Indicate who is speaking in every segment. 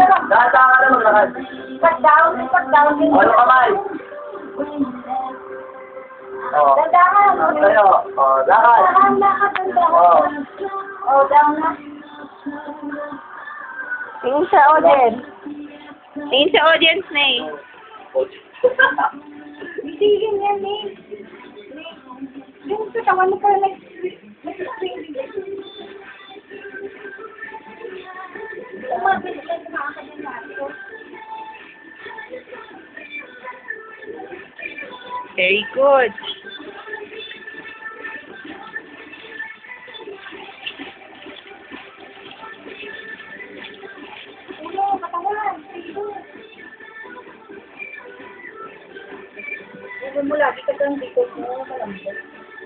Speaker 1: Data ka na maglakad.
Speaker 2: Pag down.
Speaker 1: Ano kamay? Oh.
Speaker 2: Dandahan.
Speaker 1: Tayo. Oh, lakad. Oh.
Speaker 2: Oh, down na.
Speaker 3: Tingin sa audience. Tingin sa audience na eh.
Speaker 2: Hindi yun yan eh. Yung katawan mo parang nag-swing. Umabit lang sa mga kanyan.
Speaker 3: Very good.
Speaker 2: Ulo, katawan. Ulo mo lagi ka kang dikot mo. Malambot.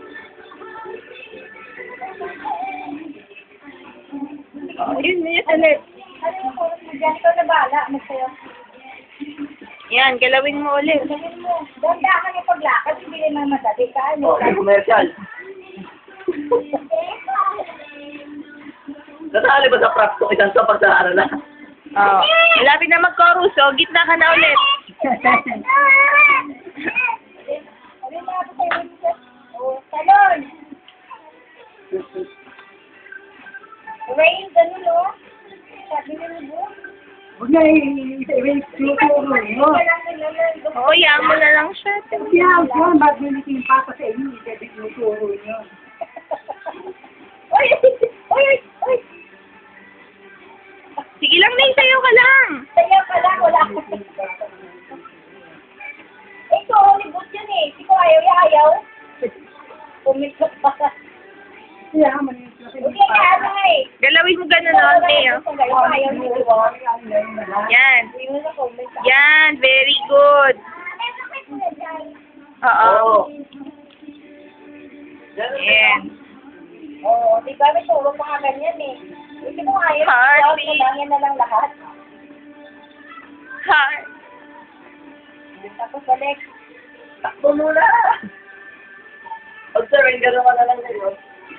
Speaker 3: Yun ulit.
Speaker 2: Ano yung oras mo dyan? Ikaw na bahala. Magsayo.
Speaker 3: Yan, galawin mo ulit.
Speaker 2: Gawin mo. Ganda ka niya paglakad. Hindi naman madali ka.
Speaker 1: Oh, commercial. Nasali ba sa practice isang sa pagsaaralan?
Speaker 3: Oh. Malapit na mag-chorus, so gitna ka na ulit.
Speaker 2: Ano yung mga tayo? Oh, salon. Rain, ganun o. Sabi na mo.
Speaker 4: Huwag na i-tuturo mo.
Speaker 3: Oo, yan mo na lang siya.
Speaker 4: Yan, ba't nilitin pa sa inyo, i-tuturo nyo.
Speaker 2: Oy!
Speaker 3: Sige lang, May, sayo ka lang.
Speaker 2: Sayaw ka lang, wala. Ito, Hollywood yun eh. Ikaw ayaw. Pumitlok pa ka.
Speaker 4: Kaya man yung
Speaker 2: Hindi ka ano eh.
Speaker 3: Galawin mo gano'n, no, May.
Speaker 2: Ikaw ayaw ni Iwan.
Speaker 3: Yan.
Speaker 2: Hindi mo na comment.
Speaker 3: Yan, very good. Oo.
Speaker 1: Oo.
Speaker 3: Yan.
Speaker 2: Oo, di ba may tulong mga ganyan eh. Hindi mo ayaw.
Speaker 3: Heartbeat.
Speaker 2: Ikaw, yan na lang lahat.
Speaker 3: Heart.
Speaker 2: Tapos balik.
Speaker 1: Takbo muna. Pag-surrender naman na lang kayo.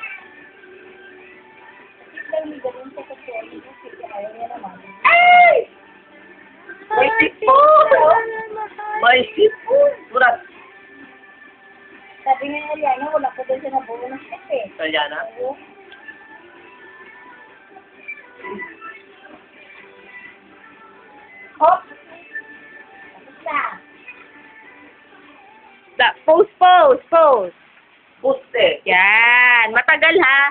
Speaker 2: Hindi ganun sa kasuali mo. Sige, ayaw niya naman.
Speaker 1: Ay! May sipon! May sipon! Murat.
Speaker 2: Sabi nga niya, Liana, wala ko doon siya nabuo ng shit eh.
Speaker 1: Sayana?
Speaker 2: Oo. Hop! Tapos na.
Speaker 3: Pose.
Speaker 1: Puste.
Speaker 3: Yan. Matagal, ha?